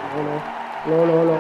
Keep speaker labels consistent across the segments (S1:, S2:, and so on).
S1: โลโลโลโลโล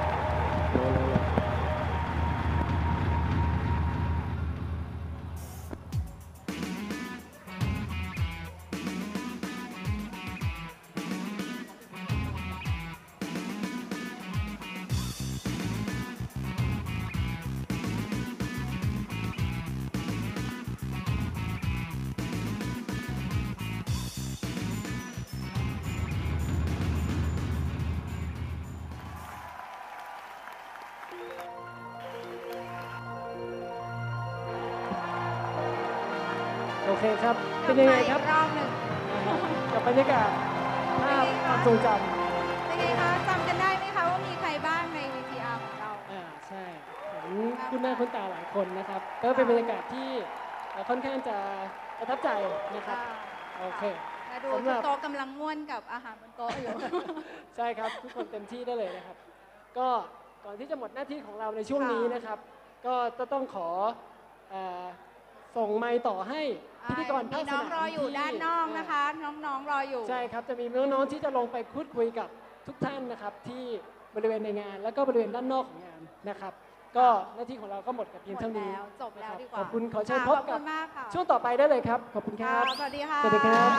S1: โอเคครับเป็นยังไงครับ
S2: รอบหนึ่ง
S1: กับบรรยากาศภาพความทรงจำ
S2: เป็นไงคะจำกันได้ไหมคะว่ามีใครบ้างใน VTR ของเรา
S1: ใช่เห็นคุณหน้าคุณตาหลายคนนะครับก็เป็นบรรยากาศที่ค่อนข้างจะประทับใจนะครับโอเค
S2: มาดูโต๊ะกำลังม่วนกับอาหารบนโต๊ะอยู่
S1: ใช่ครับทุกคนเต็มที่ได้เลยนะครับก็ก่อนที่จะหมดหน้าที่ของเราในช่วงนี้นะครับก็ต้องขอส่งไมค์ต่อให้พิธีกรภาคสนาม
S2: น้องรออยู่ด้านนอกนะคะน้องๆรออยู่
S1: ใช่ครับจะมีน้องๆที่จะลงไปพูดคุยกับทุกท่านนะครับที่บริเวณในงานแล้วก็บริเวณด้านนอกของงานนะครับก็หน้าที่ของเราก็หมดกับเพียงเท่านี้
S2: จบแล้วดีกว่า
S1: ขอบคุณขอเชิญพบกับช่วงต่อไปได้เลยครับขอบคุณครับ
S2: สวัสดีค่ะ
S1: สวัสดีครับ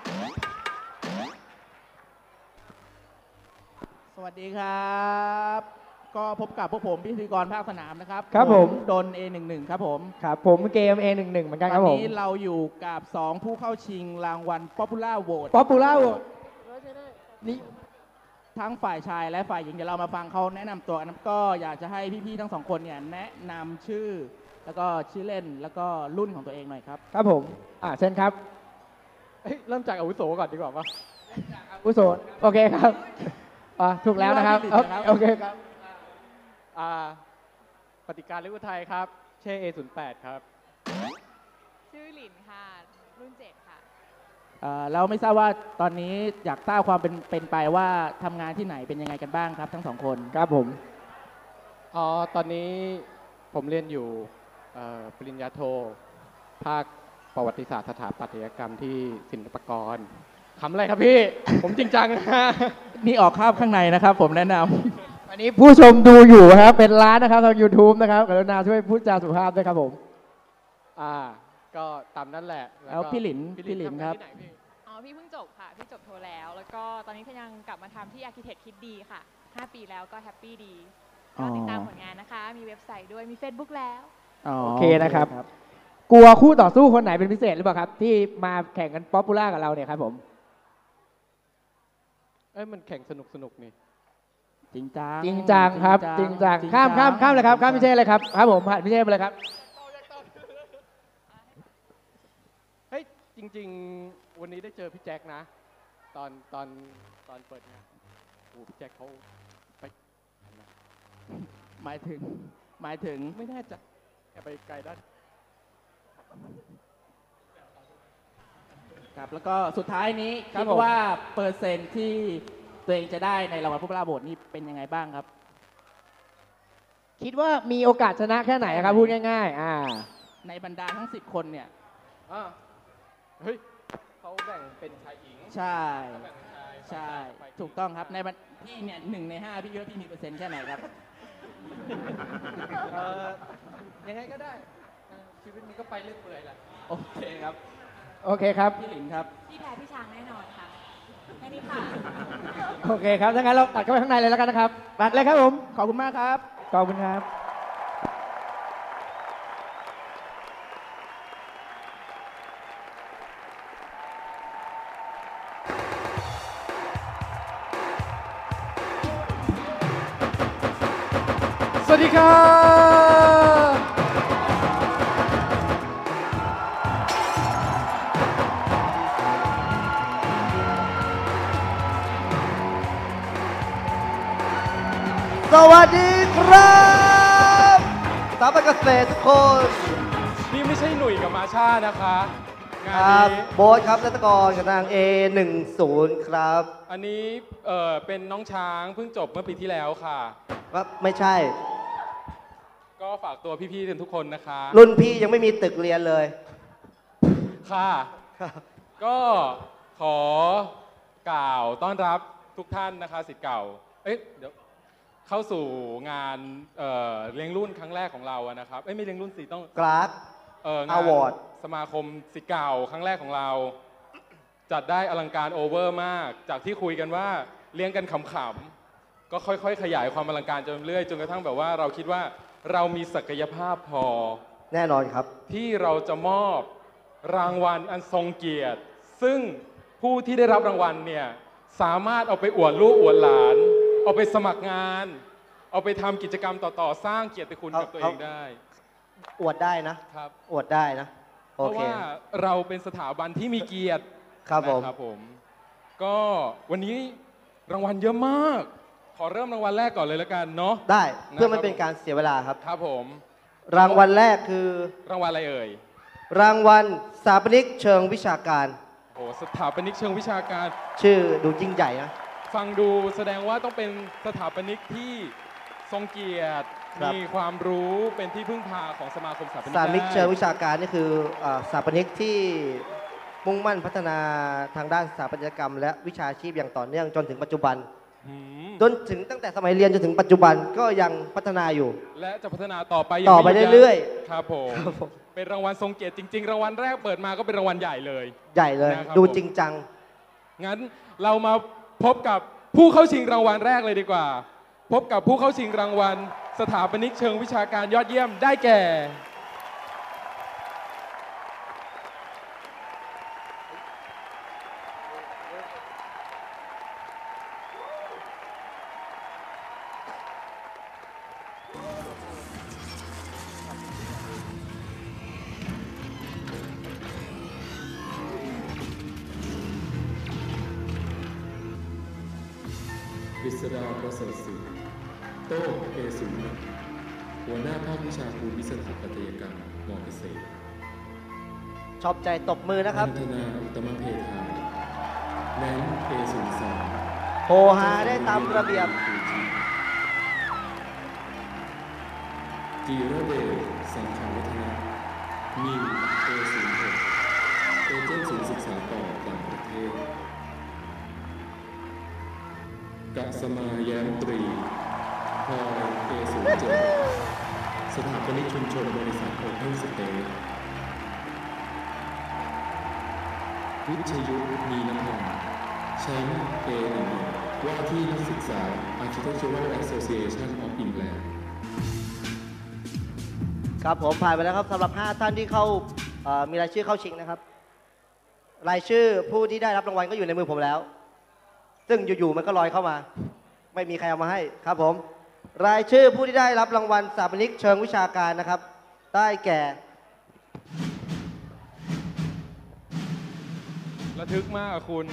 S3: สวัสดีครับก็พบกับพวกผมพิธีกรภาคสนามนะครับ
S1: ครับผม
S3: ดน A11 ครับผม
S1: ครับผมเกม A11 เหมือนกันครับผม
S3: ตอนนี้เราอยู่กับ2ผู้เข้าชิงรางวัล Popular Vote
S1: Popular Vote นี่
S3: ทั้งฝ่ายชายและฝ่ายหญิงเดี๋ยวเรามาฟังเขาแนะนำตัวกันก็อยากจะให้พี่ๆทั้งสองคนเนี่ยแนะนำชื่อแล้วก็ชื่อเล่นแล้วก็รุ่นของตัวเองหน่อยครับ
S1: ครับผมเช่นครับเริ่มจากอาวุโสก่อนดีกว่าป่ะอาวุโสโอเคครับถูกแล้วนะครับโอเคครับปฏิการลิวุไทยครับเช่ A08 ครับ
S4: ชื่อหลินค่ะรุ่น7ค่ะ
S3: เราไม่ทราบว่าตอนนี้อยากทราบความเป็นไปว่าทำงานที่ไหนเป็นยังไงกันบ้างครับทั้งสองคน
S1: ครับผมตอนนี้ผมเรียนอยู่ปริญญาโทภาคประวัติศาสตร์สถาปัตยกรรมที่ศิลปากรคำอะไรครับพี่ ผมจริงจังนะ
S3: นี่ออกภาพข้างในนะครับผมแนะนำ
S1: อันนี้ผู้ชมดูอยู่ครับเป็นร้านนะครับทาง YouTube นะครับกรุณาช่วยพูดจาสุภาพด้วยครับผมก็ตามนั่นแหละ
S3: แล้วพี่หลินครับ
S4: พี่เพิ่งจบค่ะพี่จบโทแล้วก็ตอนนี้ก็ยังกลับมาทำที่ Architect คิดดีค่ะ5 ปีแล้วก็แฮปปี้ดีก็ติดตามผลงานนะคะมีเว็บไซต์ด้วยมี Facebook แล้ว
S1: โอเคนะครับกลัวคู่ต่อสู้คนไหนเป็นพิเศษหรือเปล่าครับที่มาแข่งกันป๊อปปูล่ากับเราเนี่ยครับผมมันแข่งสนุกนี่
S3: จริงจั
S1: งครับจริงจังข้ามเลยครับข้ามพิเชษเลยครับครับผมผ่านพิเชษไปเลยครับเฮ้ยจริงๆวันนี้ได้เจอพี่แจ็คนะตอนเปิดงานโอ้พี่แจ็คเขาไป
S3: หมายถึง
S1: ไม่แน่ใจไปไกลด้าน
S3: ครับแล้วก็สุดท้ายนี้คิดว่าเปอร์เซ็นต์ที่ตัวเองจะได้ในรางวัลผู้กล้าโหวตนี่เป็นยังไงบ้างครับ
S1: คิดว่ามีโอกาสชนะแค่ไหนครับพูดง่าย
S3: ๆในบรรดาทั้ง10 คนเนี่ย
S1: เฮ้ยเขาแบ่งเป็นชายหญิง
S3: ใช่ถูกต้องครับในพี่เนี่ย1 ใน 5พี่คิดว่าพี่มีเปอร์เซ็นต์แค่ไหนครับ
S1: ยังไงก็ได้ชีวิตมันก็ไปเรื่อยเปื่อยแหละ
S3: โอเคครับ
S1: พี่หลินครับ
S4: พี่แพ้พี่ช้างแน่นอนค่ะแค่นี้ค่ะ
S1: โอเคครับถ้างั้นเราตัดเข้าไปข้างในเลยแล้วกันนะครับตัดเลยครับผม
S3: ขอบคุณมากครับ
S1: ขอบคุณครับสวัสดีครับ
S5: สวัสดีครับสาวเกษตรทุกคน
S1: นี่ไม่ใช่หนุ่ยกับมาชานะคะงานนี้
S5: โบ๊ทครับนัตกรกับนาง A10 ครับ
S1: อันนี้เป็นน้องช้างเพิ่งจบเมื่อปีที่แล้วค่ะ
S5: ไม่ใช่
S1: ก็ฝากตัวพี่ๆทุกคนนะคะ
S5: รุ่นพี่ยังไม่มีตึกเรียนเลย
S1: ค่ะก็ขอกล่าวต้อนรับทุกท่านนะคะศิษย์เก่า
S6: เดี๋ยวเข้าสู่งานเลี้ยงรุ่นครั้งแรกของเราอะนะครับไม่เลี้ยงรุ่นสิต้อง
S5: กราฟ
S6: งาน
S5: Award
S6: สมาคมศิษย์เก่าครั้งแรกของเรา จัดได้อลังการโอเวอร์มาก จากที่คุยกันว่าเลี้ยงกันขำๆก็ค่อยๆขยายความอลังการจนเรื่อยจนกระทั่งแบบว่าเราคิดว่าเรามีศักยภาพพอ
S5: แน่นอนครับ
S6: ที่เราจะมอบรางวัลอันทรงเกียรติ ซึ่งผู้ที่ได้รับรางวัลเนี่ยสามารถเอาไปอวดลูกอวดหลาน เอาไปสมัครงาน เอาไปทำกิจกรรมต่อๆสร้างเกียรติคุณกับตัวเองได้
S5: อวดได้นะ
S6: ครับ
S5: อวดได้นะ
S6: เพ
S5: โอ
S6: ราะ
S5: เค
S6: ว่าเราเป็นสถาบันที่มีเกียรติ
S5: ครับผม
S6: นะครับผม ก็วันนี้รางวัลเยอะมาก ขอเริ่มรางวัลแรกก่อนเลยแล้วกันเนาะ
S5: ได้เพื่อ
S6: นะครับ
S5: ไม่เป็นการเสียเวลาครับ
S6: ครับผม
S5: รางวัลแรกคือ
S6: รางวัลอะไรเอ่ย
S5: รางวัลสถาปนิกเชิงวิชาการ
S6: โอ้สถาปนิกเชิงวิชาการ
S5: ชื่อดูยิ่งใหญ่นะ
S6: ฟังดูแสดงว่าต้องเป็นสถาปนิกที่ทรงเกียรติ
S5: ครับ
S6: มีความรู้เป็นที่พึ่งพาของสมาคมสถาปนิก
S5: สถาปนิกเชิง
S6: ได้
S5: วิชาการนี่คือสถาปนิกที่มุ่งมั่นพัฒนาทางด้านสถาปัตยกรรม และวิชาชีพอย่างต่อเนื่องจนถึงปัจจุบัน
S6: หืม
S5: จนถึงตั้งแต่สมัยเรียนจนถึงปัจจุบันก็ยังพัฒนาอยู่
S6: และจะพัฒนาต่อไป
S5: ต่อไป
S6: ม่หดยั้ง
S5: เรื่อย
S6: ครับผม
S5: ครับผม
S6: เป็นรางวัลทรงเกียรติจริง ๆ รางวัลแรกเปิดมาก็เป็นรางวัลใหญ่เลย
S5: ใหญ่เลย
S6: นะครับ
S5: ดู
S6: ผม
S5: จริงจัง
S6: งั้นเรามาพบกับผู้เข้าชิงรางวัลแรกเลยดีกว่า พบกับผู้เข้าชิงรางวัลสถาปนิกเชิงวิชาการยอดเยี่ยมได้แก่
S7: กฤษดาประเสริฐศิลป์โต้เอสุนหัวหน้าภาควิชาภูมิสถาปัตยกรรมมอเกษตร
S5: ชอบใจตบมือนะครับ
S7: พัฒนาอุตมะเพทาแนนเอสุนสอง
S5: โฮฮาได้ตามระเบียบ
S7: จีระเดชสังขารวัฒนะมินเอสุนหกเอเจนต์ศูนย์ศึกษาต่อต่างประเทศกัสมาแย้มตรีพลอยเอศูนย์เจ็ดสถาปนิกชุมชนบริษัทโอเพนสเตย์วิชยุทธมีน้ำหอมแชมป์เอหนึ่งว่าที่นักศึกษา Architectural Association of England
S5: ครับผมผ่านไปแล้วครับสำหรับ 5 ท่านที่เข้ามีรายชื่อเข้าชิงนะครับ รายชื่อผู้ที่ได้รับรางวัลก็อยู่ในมือผมแล้ว ซึ่งอยู่ๆมันก็ลอยเข้ามา ไม่มีใครเอามาให้ครับผม รายชื่อผู้ที่ได้รับรางวัลสถาปนิกเชิงวิชาการนะครับ ได้แก่
S6: ระทึกมากอะคุณ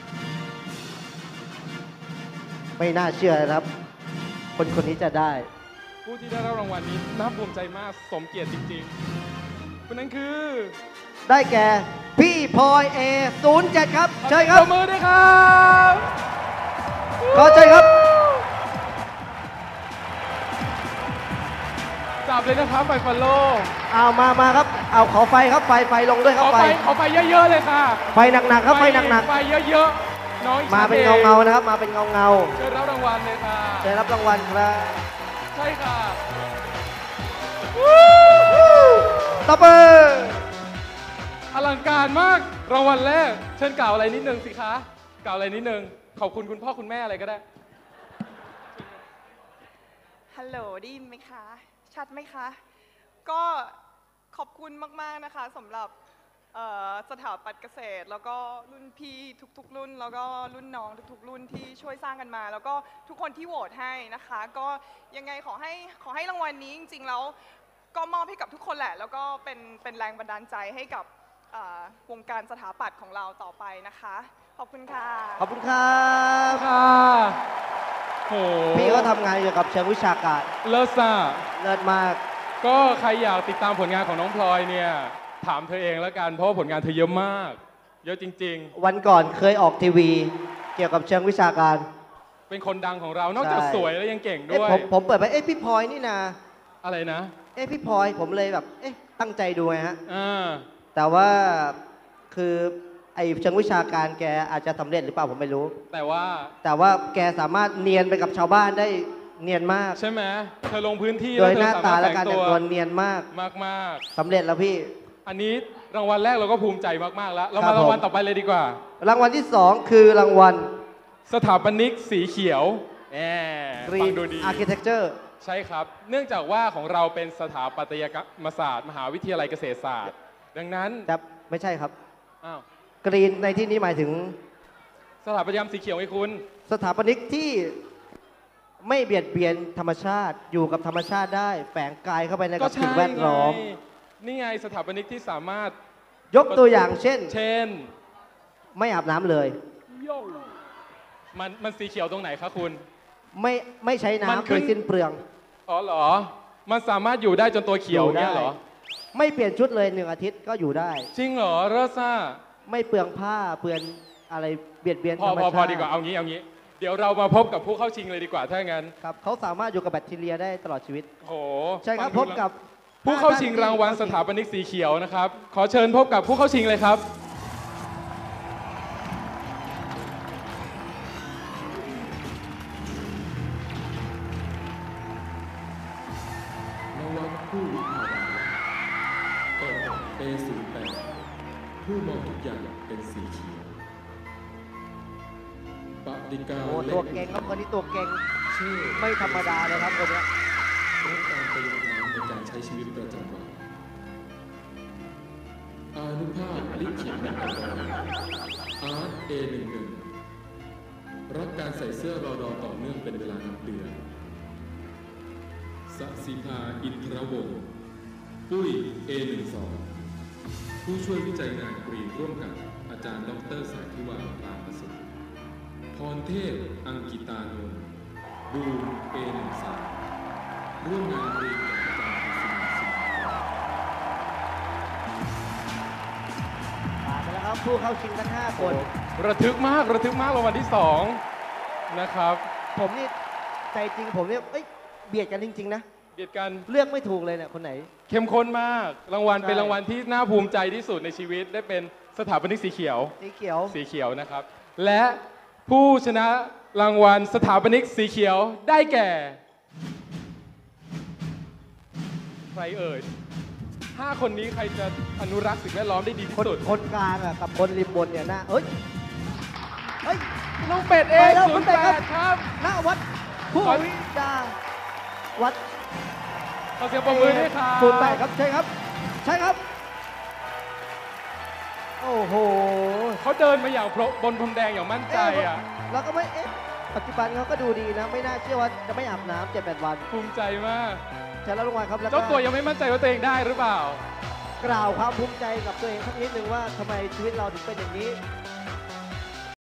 S5: ไม่น่าเชื่อนะครับ คนนี้จะได้
S6: ผู้ที่ได้รับรางวัลนี้น่าภูมิใจมากสมเกียรติจริงๆคนนั้นคือ
S5: ได้แก่พี่พลอยA07ครับเชิญค
S6: ป
S5: รับ
S6: รบมือด้วยครับ
S5: ขอเชิญครับ
S6: จับเลยนะครับไฟฟอลโล่
S5: เอามาครับ เอาขอไฟครับไฟลงด้วยค
S6: ข
S5: รับ
S6: อไฟเยอะๆเลยค่ะ
S5: ไฟหนักๆครับไฟหนัก
S6: ไฟเยอะๆน้อง
S5: ๆมาเป็นเงาๆนะครับ มาเป็นเงา
S6: เชิญรับรางวัลเลยค่ะ
S5: ๆได้รับรางวัลครับ
S6: ใช่ค่ะ
S5: ตบมือ
S6: อลังการมากรางวัลแรกเชิญกล่าวอะไรนิดนึงสิคะกล่าวอะไรนิดนึงขอบคุณคุณพ่อคุณแม่อะไรก็ได้
S8: ฮัลโหลได้ยินไหมคะ ชัดไหมคะ ก็ขอบคุณมาก ๆ นะคะสำหรับสถาปัตย์เกษตร แล้วก็รุ่นพี่ทุก ๆ รุ่น แล้วก็รุ่นน้องทุก ๆ รุ่นที่ช่วยสร้างกันมา แล้วก็ทุกคนที่โหวตให้นะคะ ก็ยังไงขอให้รางวัลนี้จริง ๆ แล้วก็มอบให้กับทุกคนแหละ แล้วก็เป็นแรงบันดาลใจให้กับวงการสถาปัตย์ของเราต่อไปนะคะ ขอบคุณค่ะ
S5: ขอบคุณครับ
S6: ค่ะโห
S5: พี่ก็ทำงานเกี่ยวกับเชิงวิชาการ
S6: เลิศซ่า
S5: เลิศมาก
S6: ก็ใครอยากติดตามผลงานของน้องพลอยเนี่ยถามเธอเองแล้วกันเพราะว่าผลงานเธอเยอะมาก เยอะจริง
S5: วันก่อนเคยออกทีวี เกี่ยวกับเชิงวิชาการ
S6: ๆ เป็นคนดังของเรานอกจาก
S5: ใช่
S6: สวยแล้วยังเก่ง
S5: เอ๊ะ
S6: ด้วย
S5: ผมเปิดไปเอ๊ะพี่พลอยนี่นา
S6: อะไรนะ
S5: เอ๊ะพี่พลอยผมเลยแบบเอ๊ะตั้งใจดูไงฮะ
S6: อ่า
S5: แต่ว่าคือไอ้เชิงวิชาการแกอาจจะสำเร็จหรือเปล่าผมไม่รู้
S6: แต่ว่า
S5: แต่ว่าแกสามารถเนียนไปกับชาวบ้านได้เนียนมาก
S6: ใช่ไหมเธอลงพื้นที่
S5: โด
S6: แล้ว
S5: ย
S6: เธ
S5: ห
S6: อ
S5: น้า
S6: สา
S5: ตาม
S6: ารถ
S5: และ
S6: แฝง
S5: การ
S6: ตั
S5: แต่ง
S6: ว
S5: ตัวเนียนมาก
S6: มาก
S5: สำเร็จแล้วพี่
S6: ๆ อันนี้รางวัลแรกเราก็ภูมิใจมากๆแล้ว เรา
S5: ครั
S6: มา
S5: บ
S6: รางวัล
S5: ผม
S6: ต่อไปเลยดีกว่า
S5: รางวัลที่ 2 คือรางวัล
S6: สถาปนิกสีเขียวแหมฟัง
S5: Green
S6: ดูดี
S5: Architecture
S6: ใช่ครับ เนื่องจากว่าของเราเป็นสถาปัตยกรรมศาสตร์ มหาวิทยาลัยเกษตรศาสตร์ ดังนั้น
S5: แต่ไม่ใช่ครับ
S6: อ้าว
S5: กรีนในที่นี้หมายถึง
S6: สถาปัตยกรรมสีเขียวไงคุณ
S5: สถาปนิกที่ไม่เบียดเบียนธรรมชาติ อยู่กับธรรมชาติได้ แฝงกายเข้าไปใน
S6: ก็
S5: กับ
S6: ใช่
S5: สิ่งแวดล้อม
S6: ไงนี่ไงสถาปนิกที่สามารถ
S5: ยกตัวอย่างเช่น
S6: เช่น
S5: ไม่อาบน้ำเลย
S6: มันสีเขียวตรงไหนคะคุณ
S5: ไม่ใช้
S6: มัน
S5: น้ำ
S6: ขึ้
S5: โด
S6: น
S5: ยสิ้นเปลือง
S6: อ๋อเหรอ มันสามารถอยู่ได้จนตัวเขียว
S5: อยู่ได้
S6: เนี่ยเหรอ
S5: ไม่เปลี่ยนชุดเลย1 อาทิตย์ก็อยู่ได้
S6: จริงเหรอเรซ่า
S5: ไม่เปลืองผ้าเปลือนอะไรเบียดเบียน
S6: พ
S5: ธ
S6: อ
S5: รรม
S6: พอ
S5: ชาติ
S6: พอดีกว่าเอางี้ เดี๋ยวเรามาพบกับผู้เข้าชิงเลยดีกว่าถ้างั้น
S5: ครับเขาสามารถอยู่กับแบคทีเรียได้ตลอดชีวิต
S6: โห
S5: ใช่ครับ
S6: ฟั
S5: พ
S6: ง
S5: บ
S6: ดู
S5: กับ
S6: ผู้เข้าชิงรางวัลสถาปนิกสีเขียวนะครับ ขอเชิญพบกับผู้เข้าชิงเลยครับ
S7: นวัตผู้วิภาวาเปิด A08 ผู้มองทุกอย่างเป็นสีเขียวปฏิกา
S5: โอ้
S7: เล็
S5: ตัว
S7: ก
S5: เก่งครับคนนี้ตัวเก่ง
S7: เช่น
S5: ไม่ธรรมดาเลยครับคนเนี้ย
S7: ลดการประหยัดน้ำในการใช้ชีวิตประจำวันอานุภาพลิขิตนักการอาร์ต A11 รักการใส่เสื้อรอดอต่อเนื่องเป็นเวลานับเดือนสศิภาอินทรวงศ์ปุ้ย A12 ผู้ช่วยวิจัยงานกรีนร่วมกับอาจารย์ดรสายทิวาปราประสบพรเทพอังกิตานนท์บูม A13 ร่วมงานกรีนกับอาจารย์พิสิทธิ์สิงห์
S5: ผ่านไปแล้วครับผู้เข้าชิงทั้ง 5 คน
S6: ระทึกมากรางวัลที่ 2 นะครับ
S5: ผมนี่ใจจริงผมเนี่ยเอ้ยเบียดกันจริง ๆ นะ
S6: เบียดกัน
S5: เลือกไม่ถูกเลยเนี่ยคนไหน
S6: เข้มข้นมาก รางวัล
S5: ใช่
S6: เป็นรางวัลที่น่าภูมิใจที่สุดในชีวิตได้เป็นสถาปนิกสีเขียว
S5: สีเขียว
S6: สีเขียวนะครับ และผู้ชนะรางวัลสถาปนิกสีเขียวได้แก่ ใครเอ่ย 5 คนนี้ใครจะอนุรักษ์สิ่งแวดล้อมได้ดีที่
S5: คน
S6: สุด
S5: คนกลางอะกับคนริมบนเนี่ยนะเอ้ยเฮ้ย
S6: น้องเป็ดเอ
S5: ไปแล้ว
S6: ศู
S5: คุ
S6: น
S5: ณ
S6: ย์
S5: เป็
S6: แป
S5: ดครับ
S6: ดครับ
S5: ณวัดผู้
S6: ขอ
S5: วิจาวัด
S6: ขอเสียงปรบมือด้วยครับ
S5: ศูนย์แปดครับใช่ครับ ใช่ครับ โอ้โห
S6: เขาเดินมาอย่างบนพรมแดงอย่างมั่นใจอ่ะ
S5: เราก็ไม่ปัจจุบันเขาก็ดูดีนะ ไม่น่าเชื่อว่าจะไม่อาบน้ำ7-8 วัน
S6: ภูมิใจมาก
S5: ใช่แล้วลงมาครับแล้วก็
S6: เจ้าตัวยังไม่มั่นใจว่าตัวเองได้หรือเปล่า
S5: กล่าวความภูมิใจกับตัวเองสักนิดหนึ่งว่าทำไมชีวิตเราถึงเป็นอย่างนี้